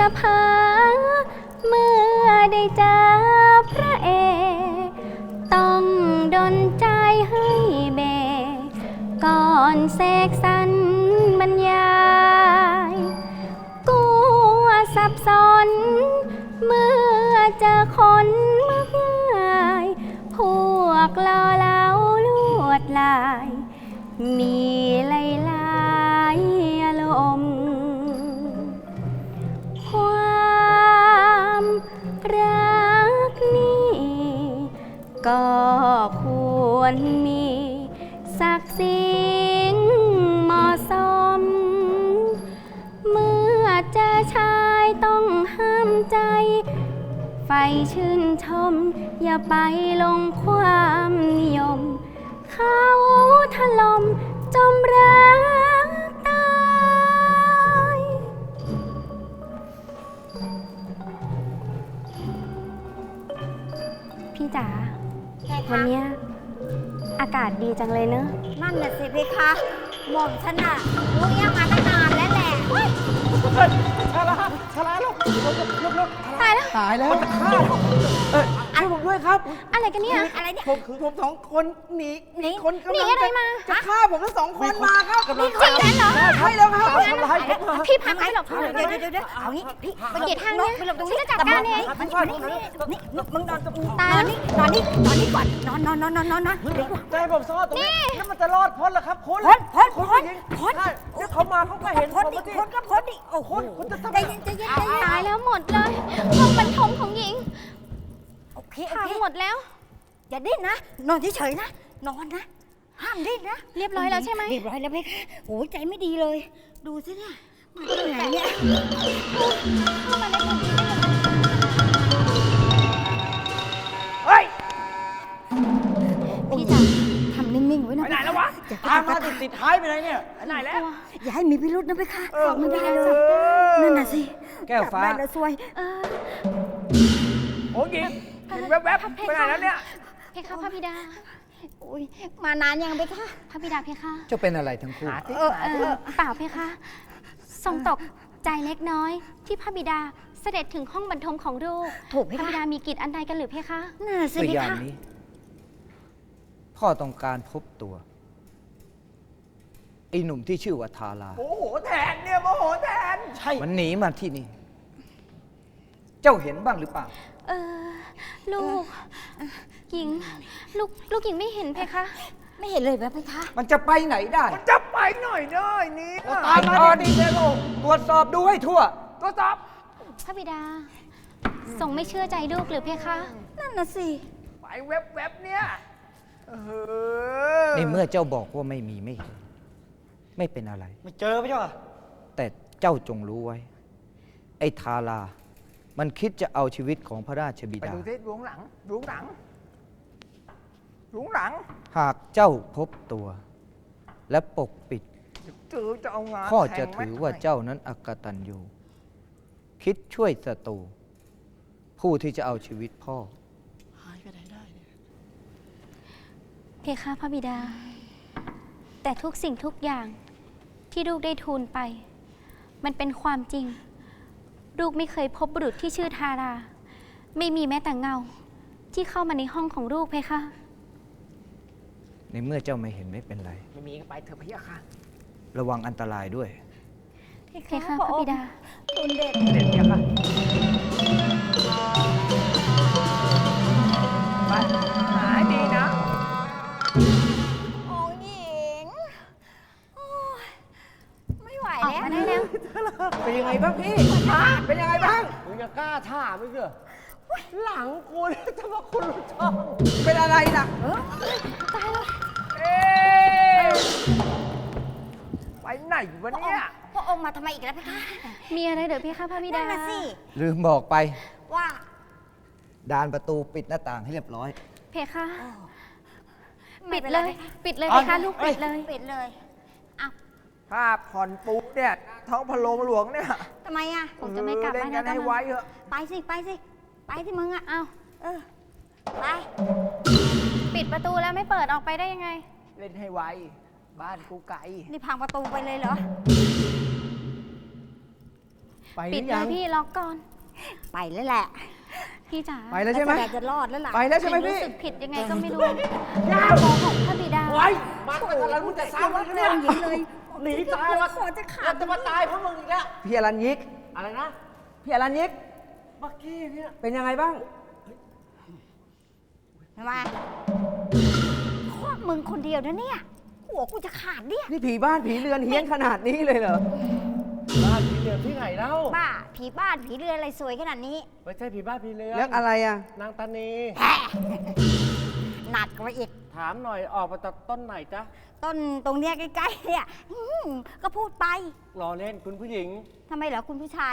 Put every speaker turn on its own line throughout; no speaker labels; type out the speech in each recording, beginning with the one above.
จะพาเมื่อได้เจอพระเอกต้องดลใจให้เบกก่อนเสกสรรบรรยายกลัวสับสนเมื่อเจอคนมากมายพวกล่อเหลาลวดลายมีหลายๆอารมณ์ความรักนี้ก็ควรมีศักดิ์ศรีเหมาะสมเมื่อเจอชายต้องห้ามใจไฟชื่นชมอย่าไปลงความนิยมเขาถล่มจมรักตายพี่จ๋าวันเนี้ยอากาศดีจังเลยเนอะ
นั่นน่ะสิเพคะหม่อมฉันน่ะรู้ยังมาตั้งนานแล้วแหละ
ชาลาลูกลุก
ตายแล้ว
ตายแล้วจะฆ่าช่วยผมด้วยครับ
อะไรกันเนี่ย
อะไรเนี่ย
ผมสองคนหนีคนกำ
หนี
ลัง
อะไรมา
จะฆ่าผมทั้งสองคนมาครับ
นี่จริงนั้นเหรอ
ใช่แล้วครับทำร้ายผมมา
พี่พาไปหลบ
เดี๋ยวเอางี้พี่
ไปเกียรทางเนี่ย
ไปหลบตรง
ฉัน
นี้
จะจัดการเอง
นี่มึงนอนตรงนี้
ตาย
นอนนี่ก่อนนอนเดี๋ยว
ใจผมซ่อนตรงนี้แล้วมันจะรอดพ้นเหรอครับพ้น
พ้น
เดี๋ยวเขามาเขาก็เห็นผมสิ
พ้นก็พ้นดิโอ้โห
คุณจะทำ
ใจเย็น
ตายแล้วหมดเลยห้องบรรทมของหญิง
โอเค
พังหมดแล้ว
อย่าดิ้นนะนอนเฉยๆนะนอนนะห้ามดิ้นนะ
เรียบร้อยแล้วใช่ไหม
เรียบร้อยแล้วเพคะโอ้ยใจไม่ดีเลย ดูสิเนี่ยมาที่ไหนเนี่ย
เข้ามาในคนดีได้ยังไง
เฮ้ย
พี่จ๋า
ทำนิ่งๆไว้นะ
ไปไหนแล้ววะตามมาติดท้ายไปไหนเนี่ยไปไหนแล้ว
อย่าให้มีพิรุษนะเพคะ
เออ
ไม่ได้เลยนั่นน่ะสิ
แก้วฟ้า
จับได้แล้วซวย
โอ้ยหญิงแวบๆไปไหนแล้วเนี่ย
เพคะพระบิดา
โอ้ยมานานยังเพคะ
พระบิดาเพคะ
เจ้าเป็นอะไรทั้งคู่
เปล่าเพคะทรงตกใจเล็กน้อย ที่พระบิดาเสด็จถึงห้องบรรทมของลูก
ถูกเพ
พระบิ
คะ
ดามีกิจอันใดกันหรือเพคะ
น่าสิ
ตัว
เพ
อย่าง
คะ
นี้ พ่อต้องการพบตัวไอ้หนุ่มที่ชื่อว่าทารา
โมโหแทนเนี่ยโมโหแทนใช่
มันหนีมาที่นี่ เจ้าเห็นบ้างหรือเปล่า
ลูกหญิงลูกหญิงไม่เห็นเพคะ
ไม่เห็นเลยเพคะ
มันจะไปไหนได้
จะไปหน่อยเด้อนี่
ตามมาดีๆเลยลูกตรวจสอบดูให้ทั่ว
ตัวจับ
พระบิดาทรงไม่เชื่อใจลูกหรือเพคะ
นั่นน่ะสิ
ไปแวบๆเนี่ย
ในเมื่อเจ้าบอกว่าไม่มีไม่เห็นไม่เป็นอะไร
ไม่เจอไม่ใช่ป่ะ
แต่เจ้าจงรู้ไว้ ไอ้ทารา มันคิดจะเอาชีวิตของพระราชบิ
ไป
ดา
ดูที่หลุงหลัง
หากเจ้าพบตัว และปกปิด
ถือจะเอางาน
พ่อจะ
แทง
ถือ
แม็ก
ว่าเจ้านั้นอกตัญญูคิดช่วยศัตรูผู้ที่จะเอาชีวิตพ่อ
เพคะพระบิดา แต่ทุกสิ่งทุกอย่างที่ลูกได้ทูลไป มันเป็นความจริง ลูกไม่เคยพบบุรุษที่ชื่อทารา ไม่มีแม้แต่เงา ที่เข้ามาในห้องของลูกเพคะ
ในเมื่อเจ้าไม่เห็นไม่เป็นไร
ไม่มีก็ไปเถอะพี่ค่ะ
ระวังอันตรายด้วย
เพคะพระบิดา
ตุนเด็ด
เด็ดพี่ค่ะไปหายดีนะ
โอ้ยหญิงโอ้ยไม่ไหว
ออก
แล้ว
มาได้แล้ว
เป็นยังไงบ้างพี่เป็นยังไงบ้างมึงจะกล้าท่าไม่เชื่อหลังคุณทำไมคุณรู้ช่องเป็นอะไรล่ะเอ๊ะไปไหนวะเนี่ย
พระองค์มาทำไมอีกแล้วเพคะ
มีอะไรเดี๋ยวเพคะพระบิดา
นั่นน่ะสิ
ลืมบอกไป
ว่า
ดานประตูปิดหน้าต่างให้เรียบร้อย
เพคะ
ไม่
ปิด
ป็น
เล
ไร
ย ปิดเลยเพคะลูกปิดเลย
ปิดเลยอ่ะ
ถ้าผ่อนปุ๊บเนี่ยท้องพะโลงหลวงเนี่ย
ทำไมอ่ะ
ผมจะไม่กลับ
เล่น
บ้าน
กัน
แล้ว
ให้
นะ
ไว้เถอะ
ไปสิมึงอ่ะ
เอา
เออไป
ปิดประตูแล้วไม่เปิดออกไปได้ยังไง
เล่นให้ไวบ้านกูไกล
นี่พังประตูไปเลยเหรอ
ไปห
ปิ
รื
ด
อ
เล
ยั
ย
ง
พี่ล็อกก่อน
ไปแล้วแหละ
พี่จ๋า
ไปแล้วใช่ไหม
แต่จะรอดแล้วล่ะ
ไปแล้วใช่ไหม
รู้
พี่
สึกผิดยังไงก็ไม่รู้ย่าบอกของพระบิดา
ไว้มากันอะไรมึงจะซ้ำแล้วเนี่ย
หญิงเลย
หนีตายมา
คอจะขา
แล้
ด
วจะมาตายเพราะมึงอีกแล้วพี่อรัญยิก อะไรนะ พี่อรัญยิกเมื่อกี้เนี่ยเป็นยังไงบ้าง
ทำไมพวกมึงคนเดียวนะเนี่ย หัวกูจะขาดเนี่ย
นี่ผีบ้านผีเรือนเฮี้ยนขนาดนี้เลยเหรอ บ้านผีเรือนที่ไหนเล่า
บ้า ผีบ้านผีเรือนอะไรสวยขนาดนี้
ไม่ใช่ผีบ้านผีเรือน
แล้วอะไรอ่ะ
นางตานี
แหมหนักกว่าอีก
ถามหน่อยออกมาจากต้นไหนจ๊ะ
ต้นตรงเนี้ยใกล้ๆเนี่ยก็พูดไป
รอเล่นคุณผู้หญิง
ทำไมเหรอคุณผู้ชาย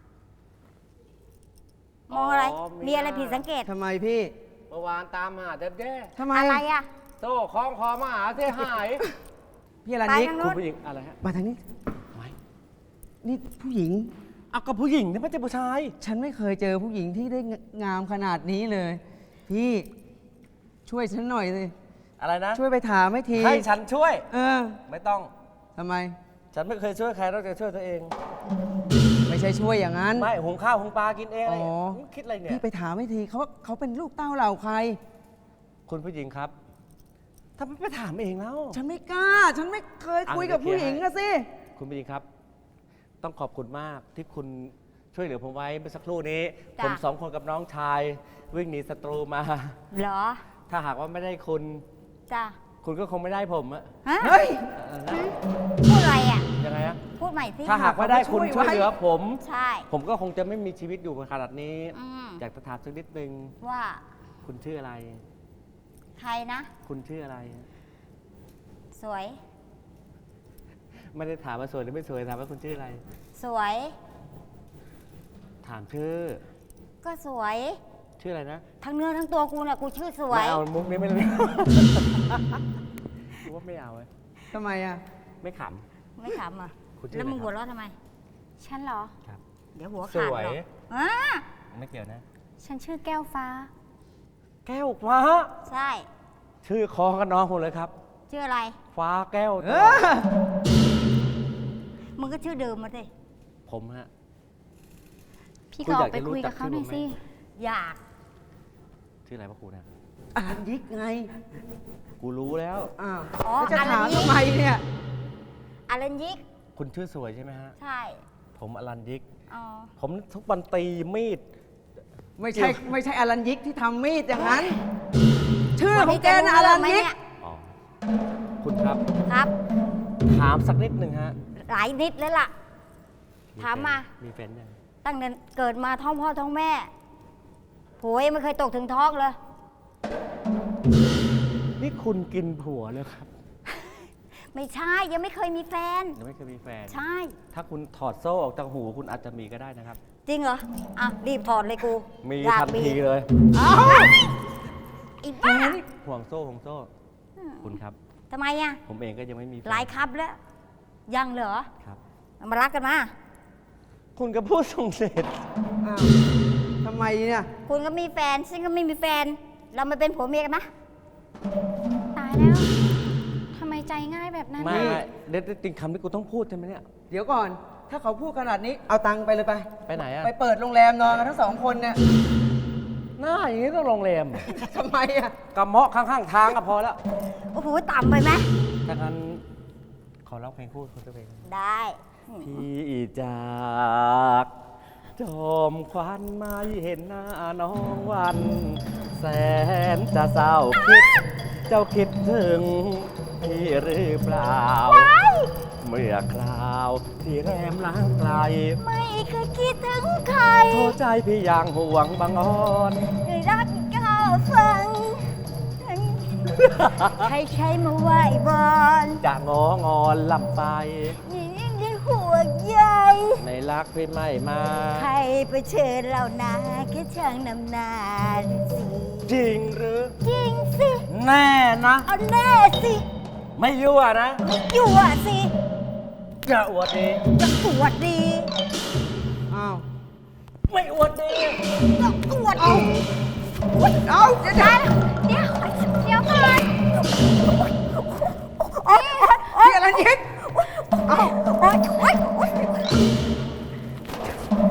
มองอะไร
อ๋อ
มีอะไรผิดสังเกต
ทำไมพี่
เมื่อวานตามหาแด้
ทำไม
อะไรอ่ะ
โซ่คล้องคอมาหาเสียหาย
พี่อรัญ
ไป
ยิก
ทาง
คุ
นู้
ณ
น
ผู้หญิงอะไรฮะ
มาทางนี้
ไม่
นี่ผู้หญิง
เอากับผู้หญิงนี่ไม่ใช่ผู้ชาย
ฉันไม่เคยเจอผู้หญิงที่ได้งามขนาดนี้เลย พี่ช่วยฉันหน่อยสิ
อะไรนะ
ช่วยไปถามให้ที
ให้ฉันช่วย
เออ
ไม่ต้อง
ทำไม
ฉันไม่เคยช่วยใครนอกจากช่วยตัวเอง
ไม่ใช่ช่วยอย่างนั้น
ไม่หุงข้าวหุงปลากินเองอะไร
อ๋อ
คิดอะไรเนี่ย
พี่ไปถามให้ทีเขาเป็นลูกเต้าเหล่าใคร
คุณผู้หญิงครับทำไมไปถามเองแล้ว
ฉันไม่กล้า ฉันไม่เคยคุยกับผู้หญิงอะสิ
คุณผู้หญิงครับ ต้องขอบคุณมากที่คุณช่วยเหลือผมไว้เมื่อสักครู่นี้
จ้ะ
ผมสองคนกับน้องชาย วิ่งหนีศัตรูมา
เหรอ
ถ้าหากว่าไม่ได้คุณ
จ้ะ
คุณก็คงไม่ได้ผมอะ
ฮะ
เฮ้ย
นะ
พูดอะไรอ่ะ
ยังไงอะ
พูดใหม่สิ
ถ้าหากว่าได้คุณช่วยเหลือผม
ใช่
ผมก็คงจะไม่มีชีวิตอยู่ขนาดนี้
อืม
อยากจะถามสักนิดนึง
ว่า
คุณชื่ออะไร
ใครนะ
คุณชื่ออะไร
สวย
ไม่ได้ถามว่าสวยหรือไม่สวยถามว่าคุณชื่ออะไร
สวย
ถามชื่อ
ก็สวย
ชื่ออะไรนะ
ทั้งเนื้อทั้งตัวกูเนี่ยกูชื่อสวย
ไม่เอามุกนี้ไม่เลยกูว่าไม่เอาเว้ย
ทำไมอะ
ไม่ข
ไม่ขำอ่ะ
คุณชื่อ
แล้วมึง
อะไรครับ
หัวเราะทำไม
ฉันเหรอ
ำครับ
เดี๋ยวหัว
ส
ขาด
วย
หรอกอ่า
ไม่เกี่ยวนะ
ฉันชื่อแก้วฟ้า
แก้วฟ้า
ใช่
ชื่อคอกับน้องผมเลยครับ
ชื่ออะไร
ฟ้าแก้ว
เอ
ตลอ
อ
ด
มึงก็ชื่อเดิมมาสิ
ผมฮะ
พี่
คุณ
ก็อ
อ
อย
าก ก
ไป
จะรู้
คุย
จั
กับ
ก
เขาหน่อย
ชื่
สิ
อผมไหม
อยาก
ชื่ออะไรพระครูนะ
อรัญยิกไง
กูรู้แล้ว
อ้าว
อ๋อ
แล้วจะ
อรั
ถาม
ญยิก
ทำไมเนี่ย
อารันยิก
คุณชื่อสวยใช่ไหมฮะ
ใช่
ผมอลันยิก
อ๋อ
ผมทุกวันตีมีด
ไม่ใช่อรัญยิกที่ทำมีดอย่างนั้น ชื่อของแกนะอรัญยิก
อ๋อ คุณครับ
ครับ
ถามสักนิดหนึ่งฮะ
หลายนิดแล้วล่ะ ถามมา
มีแฟนยัง
ตั้งแต่เกิดมาท้องพ่อท้องแม่ผัวยังไม่เคยตกถึงท้องเลย
นี่คุณกินผัวเลยครับ
ไม่ใช่ยังไม่เคยมีแฟน
ยังไม่เคยมีแฟน
ใช่
ถ้าคุณถอดโซ่ออกจากหูคุณอาจจะมีก็ได้นะครับ
จริงเหรอ อ่ะ รีบถอดเลยกู
มี
อยาก
ทันทีเลย
อีบ้า
ห่วงโซ่ห่วงโซ่ คุณครับ
ทำไมอ่ะ
ผมเองก็ยังไม่มีแฟน
หลายครับแล้ว ยังเหรอ
ครับ
มารักกันมา
คุณก็พูดส่งเสร็จ
อ้าวทำไมเนี่ย
คุณก็มีแฟนฉันก็ไม่มีแฟน เรามาเป็นผัวเมียกันนะ
ตายแล้วทำไมใจง่ายแบบนั้น
ไม่
น่ะ
ไม่เด็ดจริงคำที่กูต้องพูดใช่ไหมเนี่ย
เดี๋ยวก่อน ถ้าเขาพูดขนาดนี้ เอาตังค์ไปเลยไป
ไปไหนอะ
ไปเปิดโรงแรมนอนกันทั้งสองคนเนี่ย
หน้าอย่างนี้ต้องโรงแรม
ทำไมอะ
กระเมาะข้างๆทางก็พอแล้ว
โอ้โห ต่ำไปไหม
ถ้างั้นขอร้องเพลงคู่คุณตัวเอง
ได้
พี่จากจอมควันไม่เห็นหน้าน้องวัน แสนจะเศร้าคิด เจ้าคิดถึงพี่หรือเปล่า เมื่อคราวที่แรมล้างไกล
ไม่เคยคิดถึงใคร
โทษใจพี่อย่างห่วงบางอ่อน
เลยรักก้าวฟัง ให้ใช้มาไหวบอล
จะงองอนลำไป
ยิ่งได้หัวใหญ่
ในรักพี่ไม่มา
ใครไปเชิญเรานาแค่ช่างนำหนาสิ
จริงหรือ
จริงสิ
แน่นะ
เอาแน่สิ
ไม่ยั่วนะ
ไม่ยั่วสิ
จะอวดดี
จะปวดดี
อ้าว
ไม่อวดดี
ก็ปวดดี
เอาเดี๋ยว
เดี๋ยวก่อน
พี่อรัญยิก
โอ๊ยโอ๊ยโอ๊ย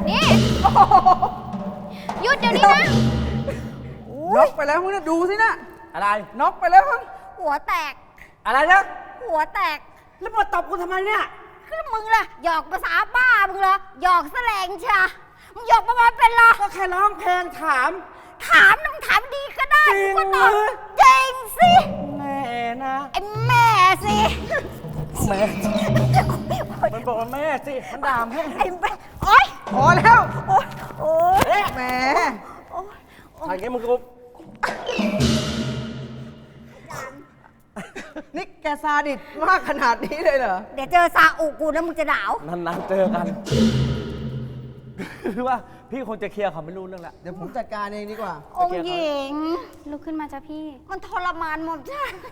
หยุดเดี๋ยวนี้นะ
น็อกไปแล้วมึงนะดูสินะ
อะไร
น็อกไปแล้วมั้ง
หัวแตก
อะไรนะ
หัวแตก
แล้วมาตบกูทำไมเนี่ย
ก็มึงล่ะหยอกภาษาบ้ามึงเหรอหยอกแสลงชามึงหยอกประมาณเป็นเหรอ
ก็แค่ร้องเพลงถาม
ถามนะมึงถามดีก็ได้
จริง
กูก็ตอบ
เหรอ
จริงสิ
แม่นะ
ไอ้แม่สิ
แม่มันบอกว่าแม่สิ มันด่าแม่
ไอ้แม่โอ๊ย
พอแล้ว
โอ๊ยโอ๊ย
แหม
โอ๊ย
ทางนี้มึงก็
นี่แกซาดิสมากขนาดนี้เลยเหรอ
เดี๋ยวเจอซาอุกูนะมึงจะหนาว
นานๆเจอกัน คือว่าพี่คงจะเคลียร์เขาไม่รู้เรื่องละ
เดี๋ยวผมจัดการเองดีกว่า
องค์หญิง
ลุกขึ้นมาจ้ะพี่
มันทรมานหมอมฉัน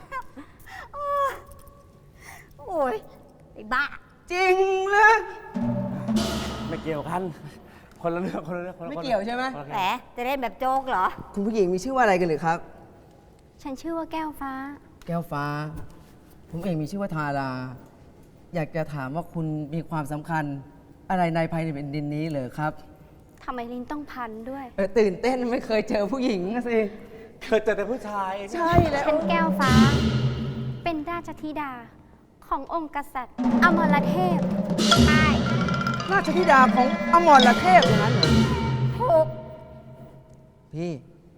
โอ้ยไอ้บ้า
จริงเลย
ไม่เกี่ยวกัน คนละเรื่องคนละเรื่องคนละ
ไม่เกี่ยวใช่ไหม
คนละ
แหมจะเล่นแบบโจ๊กเหรอ
คุณผู้หญิงมีชื่อว่าอะไรกันหรือครับ
ฉันชื่อว่าแก้วฟ้า
แก้วฟ้า ผมเองมีชื่อว่าทารา อยากจะถามว่าคุณมีความสำคัญอะไรในภายในแผ่นดินนี้เหรอครับ
ทำไมลิ้นต้องพันด้วย
ตื่นเต้นไม่เคยเจอผู้หญิงนะสิ
เคยเจอแต่ผู้ชาย
ใช่แล้ว
ฉันแก้วฟ้า เป็นราชธิดาขององค์กษัตริย์อมรเทพ
ใช่
ราชธิดาของอมรเทพอย่างนั้นเหรอ
ถูก
พี่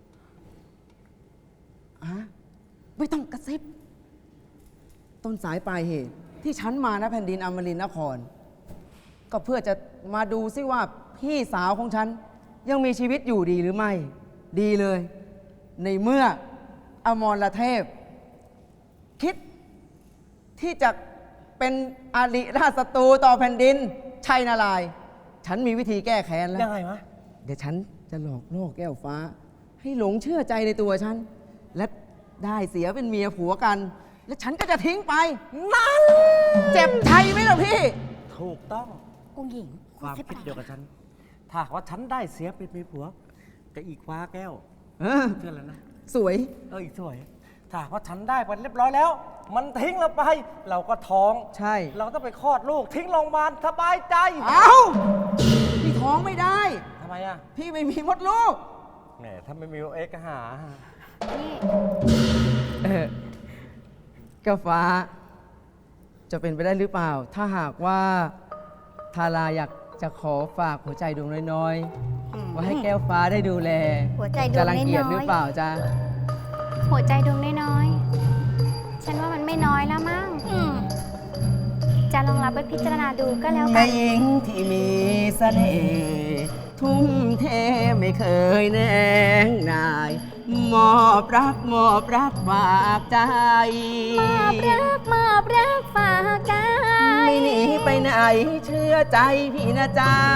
อะไม่ต้องกระซิบ ต้นสายปลายเหตุ ที่ฉันมานะแผ่นดินอมรินทร์นคร ก็เพื่อจะมาดูซิว่าพี่สาวของฉัน ยังมีชีวิตอยู่ดีหรือไม่ ดีเลย ในเมื่ออมรเทพ คิดที่จะเป็นอริราชศัตรูต่อแผ่นดิน ชัยนารายณ์ฉันมีวิธีแก้แค้นแล้ว
ยังไงวะ
เดี๋ยวฉันจะหลอกล่อแก้วฟ้า ให้หลงเชื่อใจในตัวฉัน และได้เสียเป็นเมียผัวกัน และฉันก็จะทิ้งไป นั่น เจ็บใจไหมล่ะพี่
ถูกต้อง
องค์หญิง
ความคิดเดียวกับฉัน ถ้าหากว่าฉันได้เสียเป็นเมียผัวกับอีกฟ้าแก้ว
เออ
เพื่อนแล้วนะ
สวย
อีกสวย ถ้าหากว่าฉันได้ไปเรียบร้อยแล้ว มันทิ้งเราไป เราก็ท้อง
ใช่
เราต้องไปคลอดลูก ทิ้งโรงพยาบาลสบายใจ
เอ้า พี่ท้องไม่ได้
ทำไมอ่ะ
พี่ไม่มีมดลูก
แหมถ้าไม่มีเอ็กก็หา
นี่
เออแก้วฟ้า จะเป็นไปได้หรือเปล่า ถ้าหากว่าทาราอยากจะขอฝากหัวใจดวงน้อยๆ ว่าให้แก้วฟ้าได้ดูแล
หัวใจดวง
จะรังเกียจ
น้อยๆ
หรือเปล่าจ๊ะ
หัวใจดวงน้อยๆ ฉันว่ามันไม่น้อยแล้วมั้ง จะลองรับไปพิจารณาดูก็แล้วกั
แม่
น
หญิงที่มีเสน่ห์ทุ่มเทไม่เคยแนงนาย มอบรักฝากใจ
มอบรักฝากใจ
ไม่หนีไปไหนเชื่อใจพี่นะจ๊ะ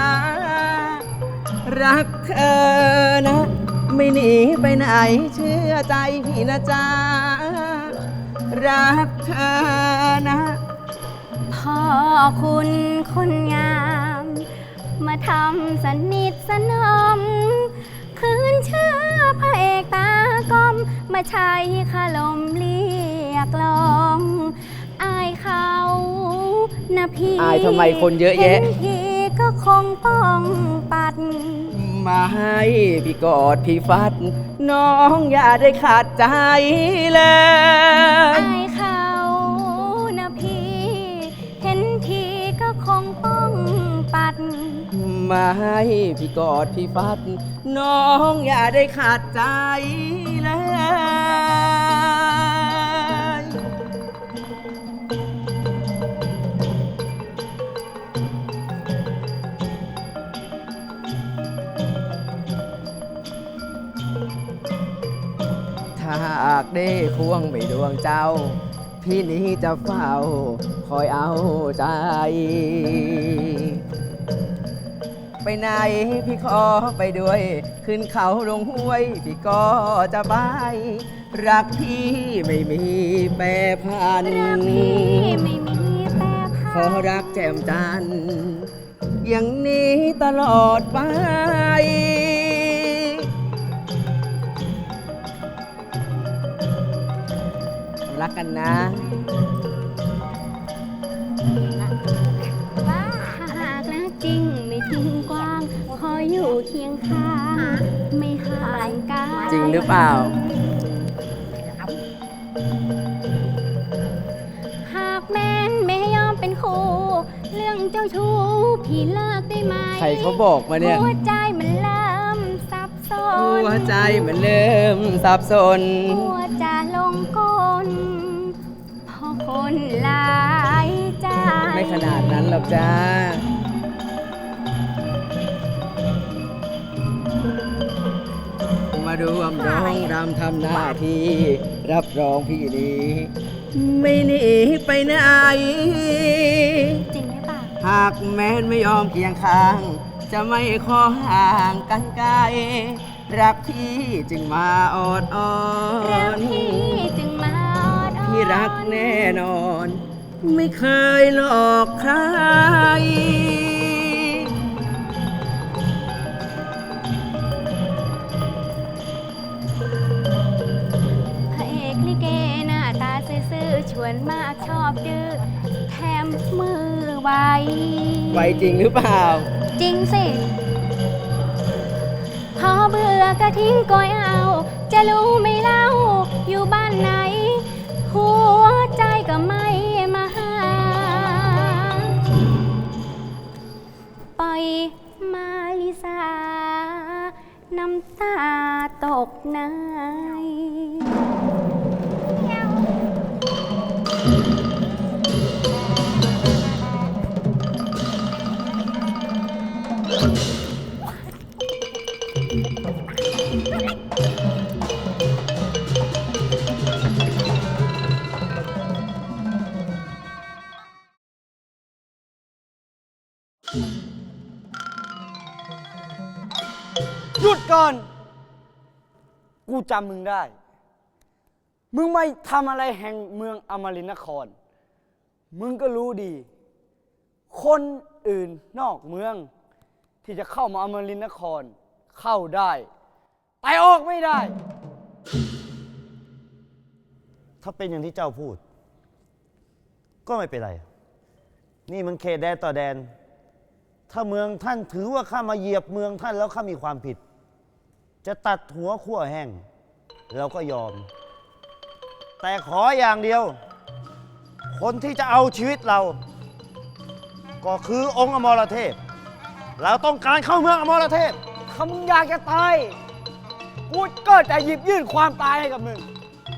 รักเธอนะ ไม่หนีไปไหนเชื่อใจพี่นะจ๊ะ รักเธอนะ
พ่อคุณคนงาม มาทำสนิทสนม คืนเชื่อพระเอกตากลม มาใช้คาลมเรียกลองอายเขานะพี่
อายทำไมคนเยอะแยะ
ห็นพี่ก็คงป้องปัด
มาให้พี่กอดพี่ฟัด น้องอย่าได้ขาดใจเลย
อายเขานะพี่ เห็นทีก็คงป้องปัด
มาให้พี่กอดพี่ฟัด น้องอย่าได้ขาดใจเลย ถ้าหากได้ควงไปดวงเจ้า พี่นี้จะเฝ้า คอยเอาใจ ไปไหนพี่ขอไปด้วย ขึ้นเขาลงห้วย พี่ก็จะไป รักพี่ไม่มีแปรพัน
รักพี่ไม่มีแปร
ข
พั
อน รักแจ่มจันทร์อย่างนี้ตลอดไป รักกันนะ
ถ้าหากรักจริงไม่ทิ้งกว้าง ขออยู่อยู่เคียงข้างไม่ห่างกัน
จริงหรือเปล่า
หากแม้นไม่ยอมเป็นคู่ เรื่องเจ้าชู้พี่เลิกได้ไหม
ใครเขาบอกมาเนี่ย
หัวใจมันเริ่มสับสน
หัวใจมันเริ่มสับสน
หัวจะลงกลเพราะคนหลายใจ
ไม่ขนาดนั้นหรอกจ้า มาดูอำร้องรำทำหน้าที่รับรองพี่ดีไม่หนีไปไหน
จริงหรือเปล่า
หากแม้นไม่ยอมเคียงข้าง จะไม่ขอห่างกันไกล รักพี่จึงมาออดอ้อ
รัก
น
พี่จึงมาออดอ้อน
พี่รักแน่นอน ไม่เคยหลอกใคร
พระเอกลิเกหน้าตาซื่อๆชวนมากชอบดื้อแถมมือไว
ไวจริงหรือเปล่า
จริงสิ พอเบื่อก็ทิ้งก้อยเอา จะรู้ไหม่เล่า อยู่บ้านไหน หัวใจก็ไม่มาหา ปล่อยมาลิสา น้ำตาตกใน
หยุดก่อน กูจำมึงได้ มึงไม่ทำอะไรแห่งเมืองอมรินทร์นคร มึงก็รู้ดี คนอื่นนอกเมือง ที่จะเข้ามาอมรินทร์นคร เข้าได้ แต่ออกไม่ได้
ถ้าเป็นอย่างที่เจ้าพูด ก็ไม่เป็นไร นี่มันเขตแดนต่อแดน ถ้าเมืองท่านถือว่าข้ามาเหยียบเมืองท่านแล้วข้ามีความผิด จะตัดหัวขั้วแห้งเราก็ยอม แต่ขออย่างเดียว คนที่จะเอาชีวิตเรา ก็คือองค์อมรเทพ เราต้องการเข้าเมืองอมรเทพ
ถ้ามึงอยากจะตาย กูก็จะหยิบยื่นความตายให้กับมึง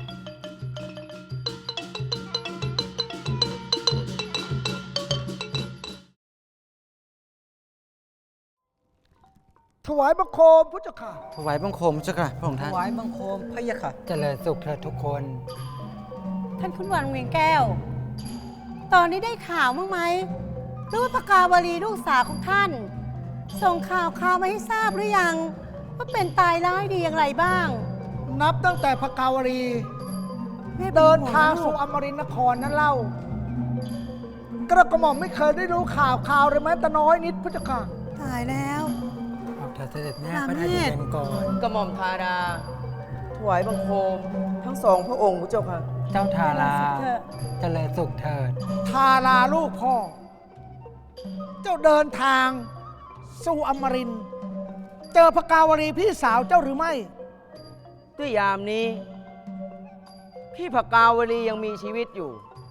ถวายบังคมพุทธเจ้าค่ะ
ถวายบังคมเจ้าค่ะพระองค์ท่าน
ถวายบังคมพระยะค่ะ
เจริญสุขเถิดทุกคน
ท่านคุณวันเวียงแก้ว ตอนนี้ได้ข่าวบ้างไหมหรือว่าพกาวลีลูกสาวของท่าน ส่งข่าวมาให้ทราบหรือยัง ว่าเป็นตายร้ายดีอย่างไรบ้าง
นับตั้งแต่พระกาวรี เดินทางสู่อมรินทร์นครนั้นเล่ากระหม่อมไม่เคยได้รู้ข่าวเลยแม้แต่น้อยนิดพุทธเจ้าค่ะ
ตายแล้ว
เอาเถิดเสด็จแม่
พระ
พระ
เน
นาย
ตร
เป็นก่อน
กระหม่อมทาดา ถวายบังคม ทั้งสองพระองค์พระเจ้าค่ะ
เจ้าทารา
เถอะ
เจริญสุขเถิด
ทาราลูกพ่อ เจ้าเดินทางสู่อมรินทร์เจอพระกาวรีพี่สาวเจ้าหรือไม่
ด้วยยามนี้ พี่พกาวลียังมีชีวิตอยู่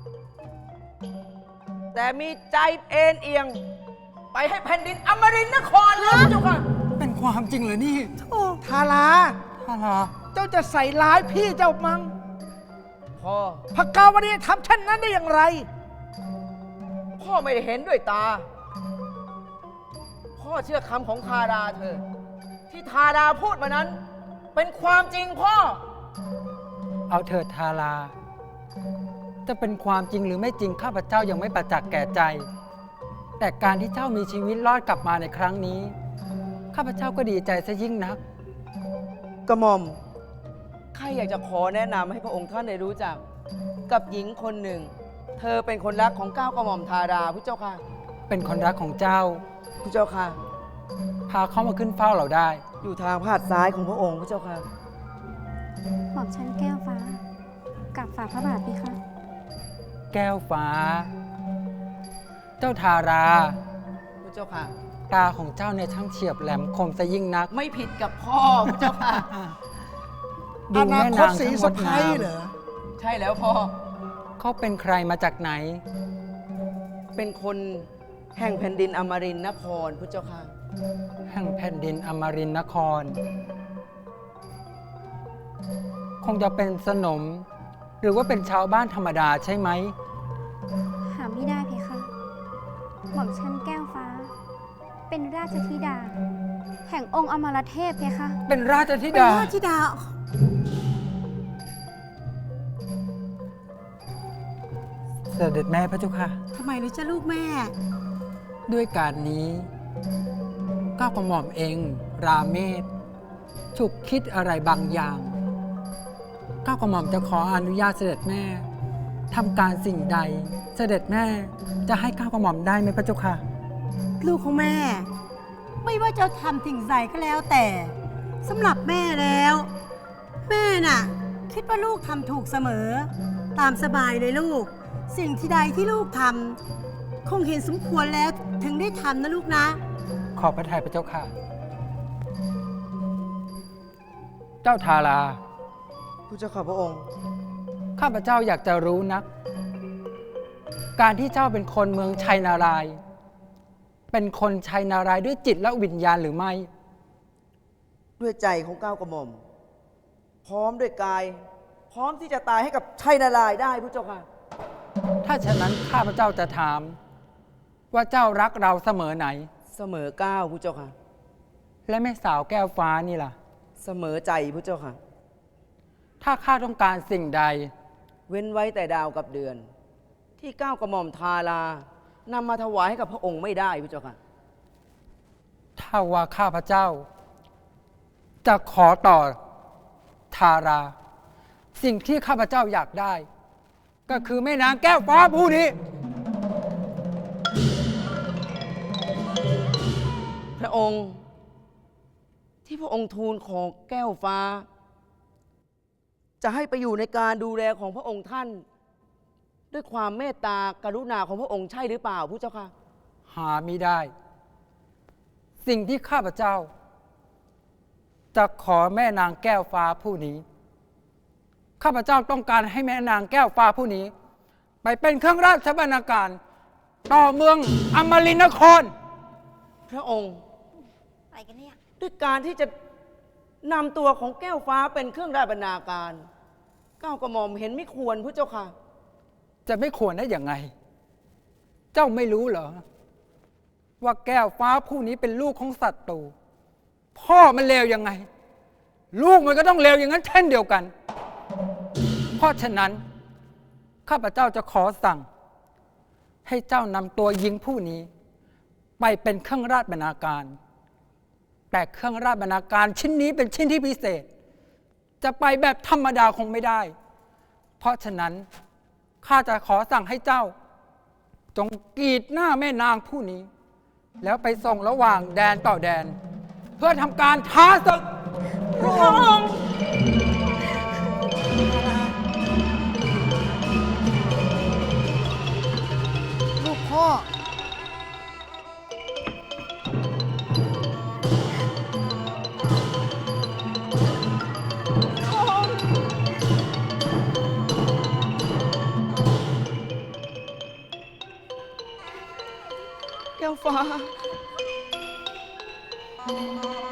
แต่มีใจเอ็นเอียง ไปให้แผ่นดินอมรินทร์นครแล้วเจ้าค่ะ
เป็นความจริงเหรอนี่
ทารา
ทารา
เจ้าจะใส่ร้ายพี่เจ้ามั้ง
พ่อ
พระกาวรีทำเช่นนั้นได้อย่างไร
พ่อไม่ได้เห็นด้วยตา พ่อเชื่อคำของทาดาเธอ ที่ทาดาพูดมานั้น เป็นความจริงพ่อ
เอาเถิดทารา จะเป็นความจริงหรือไม่จริงข้าพเจ้ายังไม่ประจักษ์แก่ใจ แต่การที่เจ้ามีชีวิตรอดกลับมาในครั้งนี้ ข้าพเจ้าก็ดีใจซะยิ่งนัก
กระหม่อมข้าอยากจะขอแนะนำให้พระองค์ท่านได้รู้จัก กับหญิงคนหนึ่ง เธอเป็นคนรักของเก้ากระหม่อมทาดาพระเจ้าค่ะ
เป็นคนรักของเจ้า
พระเจ้าค่ะ
พาเขามาขึ้นเฝ้าเราได้
อยู่ทางพาดซ้ายของพระองค์พระเจ้าค่ะ
หม่อมฉันแก้วฟ้า กับฝ่าพระบาทพี่คะ
แก้วฟ้า เจ้าทารา
พระเจ้าค่ะ
ตาของเจ้าเนี่ยช่างเฉียบแหลมคมซะยิ่งนัก
ไม่ผิดกับพ่อพระเจ้าค่ะ
ดู
อนา
แม่
คต
นาง
สี
ทั้งง
สะ
ด
พ้
งาย ม
เหรอ
ใช่แล้วพ่อ
เขาเป็นใครมาจากไหน
เป็นคนแห่งแผ่นดินอมรินทร์นครพระเจ้าค่ะ
แห่งแผ่นดินอมรินทร์นคร คงจะเป็นสนม หรือว่าเป็นชาวบ้านธรรมดาใช่ไหม
หาไม่ได้เพคะ หม่อมชันแก้วฟ้า เป็นราชธิดา แห่งองค์อมรเทพเพคะ
เป็นราชธิ
เป็น
ดา
ราชธิดา
เสด็จแม่พระเจ้าค่ะ
ทำไมนะจ๊ะลูกแม่
ด้วยการนี้ก้าวกระหม่อมเอง ราเมศฉุกคิดอะไรบางอย่างก้าวกระหม่อมจะขออนุญาตเสด็จแม่ทำการสิ่งใด เสด็จแม่จะให้ก้าวกระหม่อมได้ไหมพระเจ้าค่ะ
ลูกของแม่ ไม่ว่าจะทำสิ่งใดก็แล้วแต่สำหรับแม่แล้ว แม่น่ะ คิดว่าลูกทำถูกเสมอ ตามสบายเลยลูก สิ่งที่ใดที่ลูกทำคงเห็นสมควรแล้วถึงได้ทำนะลูกนะ
ขอบพระทัยพระเจ้าค่ะ เจ้าทารา
พระเจ้าค่ะพระองค์
ข้าพเจ้าอยากจะรู้นัก การที่เจ้าเป็นคนเมืองชัยนารายณ์เป็นคนชัยนารายณ์ด้วยจิตและวิญญาณหรือไม่
ด้วยใจของก้าวกระหม่อม พร้อมด้วยกาย พร้อมที่จะตายให้กับชัยนารายณ์ได้พระเจ้าค่ะ
ถ้าฉะนั้นข้าพเจ้าจะถาม ว่าเจ้ารักเราเสมอไหน
เสมอก้าวพระเจ้าค่ะ
และแม่สาวแก้วฟ้านี่ล่ะ
เสมอใจพระเจ้าค่ะ
ถ้าข้าต้องการสิ่งใด
เว้นไว้แต่ดาวกับเดือน ที่ก้าวกระหม่อมทารานำมาถวายให้กับพระองค์ไม่ได้พระเจ้าค่ะ
ถ้าว่าข้าพเจ้า จะขอต่อทารา สิ่งที่ข้าพเจ้าอยากได้ ก็คือแม่นางแก้วฟ้าผู้นี้
พระองค์ที่พระองค์ทูลขอแก้วฟ้า จะให้ไปอยู่ในการดูแลของพระองค์ท่าน ด้วยความเมตตากรุณาของพระองค์ใช่หรือเปล่าพระเจ้าค่ะ
หามิได้ สิ่งที่ข้าพเจ้า จะขอแม่นางแก้วฟ้าผู้นี้ ข้าพเจ้าต้องการให้แม่นางแก้วฟ้าผู้นี้ ไปเป็นเครื่องราชบรรณาการ ต่อเมืองอมรินทร์นคร
พระองค์
อะไรกันเนี่ย
ด้วยการที่จะนำตัวของแก้วฟ้าเป็นเครื่องราชบรรณาการก้าวกระหม่อมเห็นไม่ควรพระเจ้าค่ะ
จะไม่ควรได้อย่างไง เจ้าไม่รู้เหรอ ว่าแก้วฟ้าผู้นี้เป็นลูกของศัตรู พ่อมันเลวยังไง ลูกมันก็ต้องเลวอย่างนั้นเช่นเดียวกัน เพราะฉะนั้น ข้าพเจ้าจะขอสั่ง ให้เจ้านำตัวหญิงผู้นี้ ไปเป็นเครื่องราชบรรณาการ แต่เครื่องราชบรรณาการชิ้นนี้เป็นชิ้นที่พิเศษ จะไปแบบธรรมดาคงไม่ได้ เพราะฉะนั้นข้าจะขอสั่งให้เจ้า จงกรีดหน้าแม่นางผู้นี้ แล้วไปส่งระหว่างแดนต่อแดน เพื่อทำการท้าศึก
พระองค์
ลูกพ่อ
แก้วฟ้า